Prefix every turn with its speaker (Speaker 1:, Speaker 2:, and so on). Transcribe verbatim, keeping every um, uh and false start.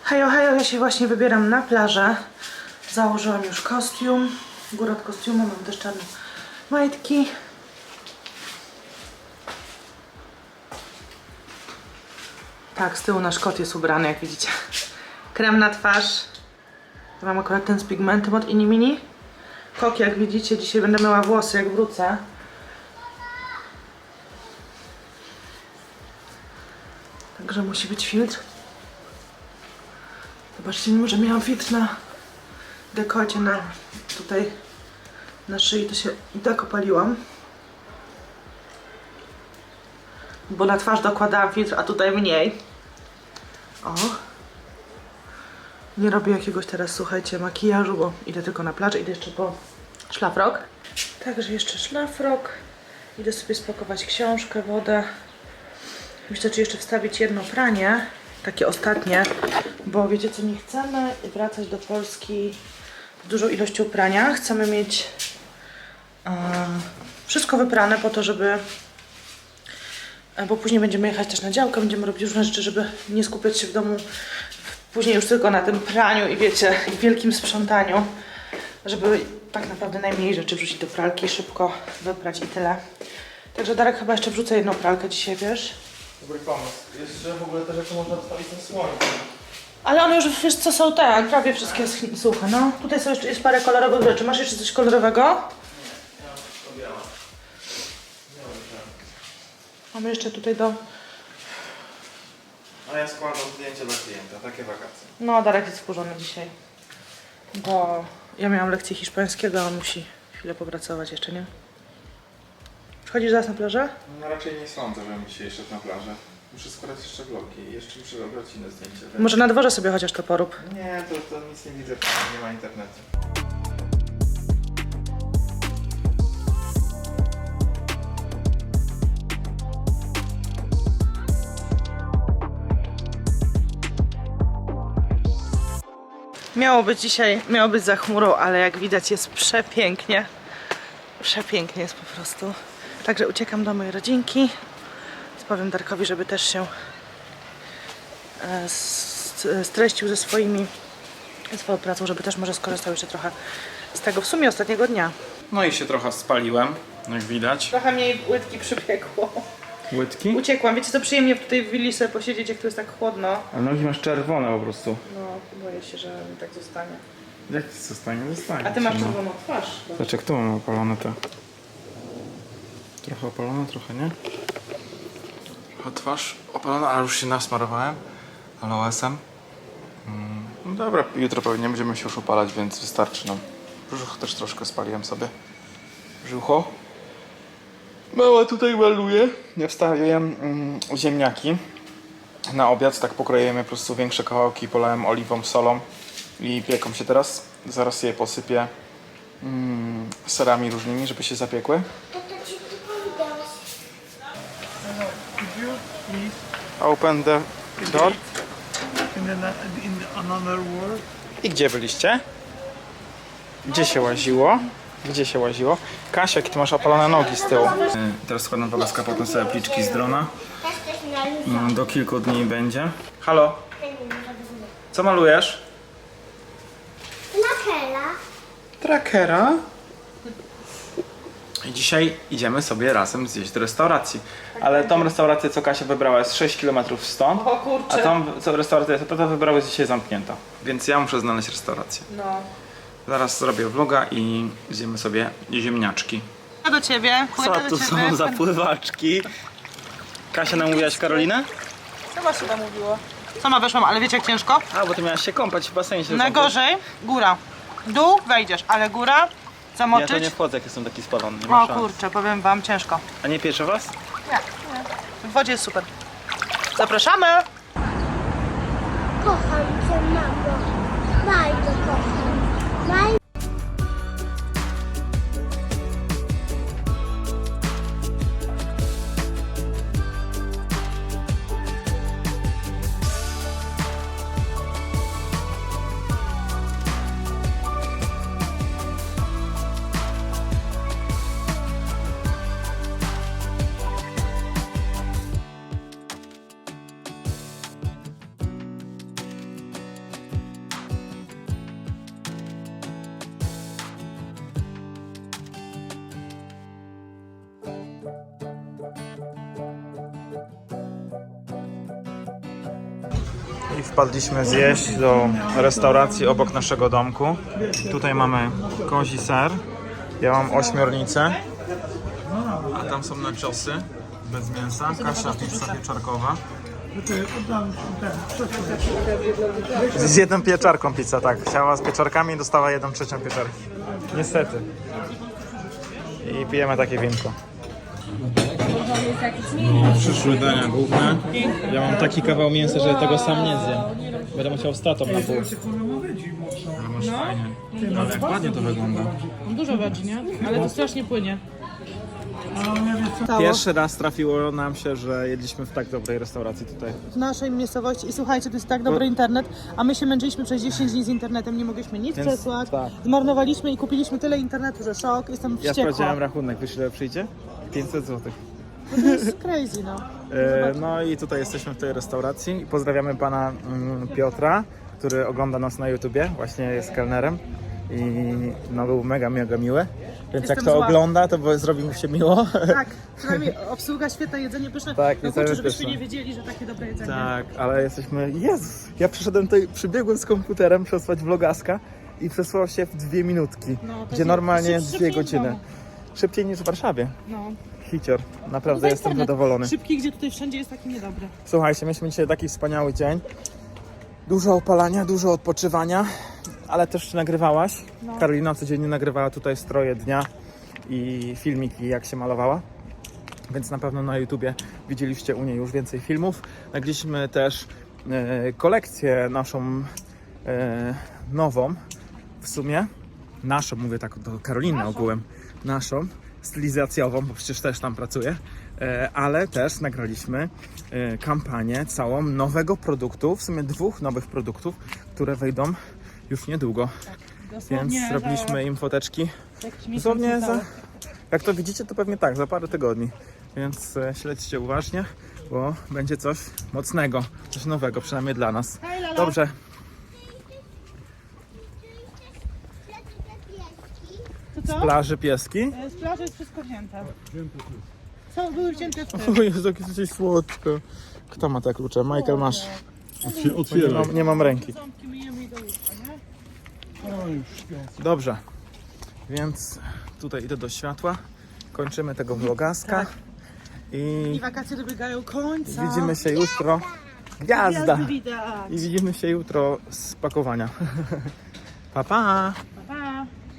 Speaker 1: Hejo, hejo, ja się właśnie wybieram na plażę. Założyłam już kostium. Górę od kostiumu, mam też czarne majtki. Tak, z tyłu nasz kot jest ubrany, jak widzicie. Krem na twarz. Mam akurat ten z pigmentem od Inimini. Kok, jak widzicie, dzisiaj będę miała włosy, jak wrócę. Także musi być filtr. Zobaczcie, mimo że miałam filtr na dekolcie, na tutaj na szyi, to się i tak opaliłam. Bo na twarz dokładałam filtr, a tutaj mniej. O. Nie robię jakiegoś teraz, słuchajcie, makijażu, bo idę tylko na plażę, idę jeszcze po szlafrok. Także jeszcze szlafrok. Idę sobie spakować książkę, wodę. Myślę, czy jeszcze wstawić jedno pranie, takie ostatnie, bo wiecie co, nie chcemy wracać do Polski z dużą ilością prania. Chcemy mieć um, wszystko wyprane po to, żeby, bo później będziemy jechać też na działkę, będziemy robić różne rzeczy, żeby nie skupiać się w domu później już tylko na tym praniu i wiecie, i wielkim sprzątaniu, żeby tak naprawdę najmniej rzeczy wrzucić do pralki, szybko wyprać i tyle. Także Darek, chyba jeszcze wrzucę jedną pralkę dzisiaj, wiesz?
Speaker 2: Dobry pomysł. Jeszcze w ogóle te rzeczy można odstawić na słońcu.
Speaker 1: Ale one już, wiesz co, są te, prawie wszystkie suche, no. Tutaj są jeszcze, jest parę kolorowych rzeczy. Masz jeszcze coś kolorowego?
Speaker 2: Nie, ja mam wszystko białe.
Speaker 1: Mamy jeszcze tutaj do...
Speaker 2: A ja składam zdjęcie dla klienta, takie wakacje.
Speaker 1: No, Darek jest wkurzony dzisiaj. Bo ja miałam lekcję hiszpańskiego, a on musi chwilę popracować jeszcze, nie? Chodzisz zaraz na plażę?
Speaker 2: No raczej nie sądzę, żebym dzisiaj szedł na plażę. Muszę składać jeszcze vlogi i jeszcze muszę robić inne zdjęcia. Więc...
Speaker 1: Może na dworze sobie chociaż to porób.
Speaker 2: Nie, to, to nic nie widzę, nie ma internetu.
Speaker 1: Miało być dzisiaj, miało być za chmurą, ale jak widać jest przepięknie. Przepięknie jest po prostu. Także uciekam do mojej rodzinki. Powiem Darkowi, żeby też się e, streścił ze swoimi, ze swoją pracą, żeby też może skorzystał jeszcze trochę z tego w sumie ostatniego dnia.
Speaker 2: No i się trochę spaliłem, jak widać.
Speaker 1: Trochę mniej łydki przybiegło.
Speaker 2: Łydki?
Speaker 1: Uciekłam. Wiecie co, przyjemnie tutaj w willi sobie posiedzieć, jak tu jest tak chłodno.
Speaker 2: A nogi masz czerwone po prostu.
Speaker 1: No, boję się, że mi tak zostanie.
Speaker 2: Jak ci zostanie? Zostanie.
Speaker 1: A ty masz
Speaker 2: no.
Speaker 1: czerwoną twarz.
Speaker 2: Zobacz, jak tu mamy opalone te. Trochę opalone, trochę nie. Trochę twarz opalona, ale już się nasmarowałem aloesem. Mm, no dobra, jutro pewnie będziemy się już opalać, więc wystarczy nam. Brzuch też troszkę spaliłem sobie. Brzucho. Mała tutaj maluje. Ja wstawiłem mm, ziemniaki na obiad, tak pokroiłem je po prostu większe kawałki, polałem oliwą, solą i pieką się teraz. Zaraz je posypię mm, serami różnymi, żeby się zapiekły. Open the door.
Speaker 3: In, an, in another world.
Speaker 2: I gdzie byliście? Gdzie się łaziło? Gdzie się łaziło? Kasia, jakie ty masz opalone nogi z tyłu. Teraz składam wogaska, potem sobie pliczki z drona. Do kilku dni będzie. Halo? Co malujesz?
Speaker 4: Lakera.
Speaker 2: Trackera. I dzisiaj idziemy sobie razem zjeść do restauracji. Ale tą restaurację, co Kasia wybrała, jest sześć kilometrów stąd.
Speaker 1: O kurczę.
Speaker 2: A tą co restaurację, co wybrała, jest dzisiaj zamknięta. Więc ja muszę znaleźć restaurację.
Speaker 1: No.
Speaker 2: Zaraz zrobię vloga i zjemy sobie ziemniaczki.
Speaker 1: Ja do ciebie.
Speaker 2: Co
Speaker 1: Płynę do
Speaker 2: tu
Speaker 1: ciebie.
Speaker 2: są za pływaczki? Kasia, namówiłaś Karolinę?
Speaker 1: Co was chyba mówiło? Sama weszłam, ale wiecie jak ciężko?
Speaker 2: A, bo ty miałaś się kąpać w basenie. Się
Speaker 1: Najgorzej góra. Dół wejdziesz, ale góra
Speaker 2: Ja
Speaker 1: zamoczyć.
Speaker 2: to nie wchodzę, jak jestem taki spalony. Nie ma
Speaker 1: O
Speaker 2: szans.
Speaker 1: kurczę, powiem wam, ciężko.
Speaker 2: A nie piecze was?
Speaker 1: Nie, nie. W wodzie jest super. Zapraszamy!
Speaker 4: Kocham cię, mamo. Bardzo kocham. Bardzo.
Speaker 2: wpadliśmy zjeść do restauracji obok naszego domku. Tutaj mamy kozi ser, ja mam ośmiornicę, a tam są naciosy bez mięsa, Kasia pizza pieczarkowa. Z jedną pieczarką pizza, tak. Chciała z pieczarkami i dostała jedną trzecią pieczarki. Niestety. I pijemy takie winko. Przyszły dania główne. Ja mam taki kawał mięsa, że tego sam nie zjem. Będę musiał z tatą na pół. Ale masz fajnie. Ale jak ładnie to wygląda.
Speaker 1: Dużo wedzi, nie? Ale to strasznie płynie.
Speaker 2: Pierwszy raz trafiło nam się, że jedliśmy w tak dobrej restauracji tutaj.
Speaker 1: W naszej miejscowości i słuchajcie, to jest tak dobry internet, a my się męczyliśmy przez dziesięć dni z internetem, nie mogliśmy nic
Speaker 2: Więc
Speaker 1: przesłać,
Speaker 2: tak.
Speaker 1: zmarnowaliśmy i kupiliśmy tyle internetu, że szok, jestem
Speaker 2: Ja
Speaker 1: wściekła.
Speaker 2: sprawdziłem rachunek, wiesz ile przyjdzie? pięćset złotych.
Speaker 1: To jest crazy, no.
Speaker 2: E, no i tutaj jesteśmy w tej restauracji i pozdrawiamy pana mm, Piotra, który ogląda nas na YouTubie, właśnie jest kelnerem i no był mega, mega miły. Więc
Speaker 1: Jestem
Speaker 2: jak to
Speaker 1: zła.
Speaker 2: ogląda, to bo- zrobi mu się miło.
Speaker 1: Tak, przynajmniej obsługa, świetne jedzenie, pyszne.
Speaker 2: Tak,
Speaker 1: no
Speaker 2: jedzenie
Speaker 1: kurczę, żebyśmy
Speaker 2: pyszne.
Speaker 1: nie wiedzieli, że takie dobre jedzenie.
Speaker 2: Tak, ale jesteśmy... Jezus! Ja przyszedłem tutaj, przybiegłem z komputerem przesłać vlogaska i przesłał się w dwie minutki,
Speaker 1: No, to
Speaker 2: gdzie
Speaker 1: jest
Speaker 2: normalnie
Speaker 1: szyb-
Speaker 2: dwie
Speaker 1: szybciej w
Speaker 2: godziny.
Speaker 1: domu.
Speaker 2: Szybciej niż w Warszawie.
Speaker 1: No.
Speaker 2: Hicior. Naprawdę
Speaker 1: No to
Speaker 2: jestem
Speaker 1: internet
Speaker 2: zadowolony.
Speaker 1: Szybki, gdzie tutaj wszędzie jest taki niedobry.
Speaker 2: Słuchajcie, mieliśmy dzisiaj taki wspaniały dzień. Dużo opalania, dużo odpoczywania, ale też nagrywałaś.
Speaker 1: No.
Speaker 2: Karolina codziennie nagrywała tutaj stroje dnia i filmiki, jak się malowała. Więc na pewno na YouTubie widzieliście u niej już więcej filmów. Nagraliśmy też e, kolekcję naszą e, nową, w sumie naszą, mówię tak do Karoliny ogółem, naszą, stylizacjową, bo przecież też tam pracuję, e, ale też nagraliśmy e, kampanię całą nowego produktu, w sumie dwóch nowych produktów, które wejdą już niedługo. Więc zrobiliśmy im foteczki. Dosłownie za, jak to widzicie, to pewnie tak, za parę tygodni. Więc e, śledźcie uważnie, bo będzie coś mocnego, coś nowego, przynajmniej dla nas. Dobrze.
Speaker 1: To co?
Speaker 2: Z plaży pieski.
Speaker 1: Z plaży jest wszystko wzięte. Co? Były wzięte w tym.
Speaker 2: O Jezu, jakie coś słodko. Kto ma te klucze? Michael, masz. Nie
Speaker 3: Otwieraj.
Speaker 2: mam, nie mam ręki.
Speaker 1: Ząbki myjemy i do łóżka, nie?
Speaker 3: O, już śpią.
Speaker 2: Dobrze. Więc tutaj idę do światła. Kończymy tego vlogaska.
Speaker 1: I
Speaker 2: I
Speaker 1: wakacje dobiegają końca.
Speaker 2: widzimy się jutro. Gwiazda!
Speaker 1: Gwiazdy widać.
Speaker 2: I widzimy się jutro z pakowania. Pa, pa!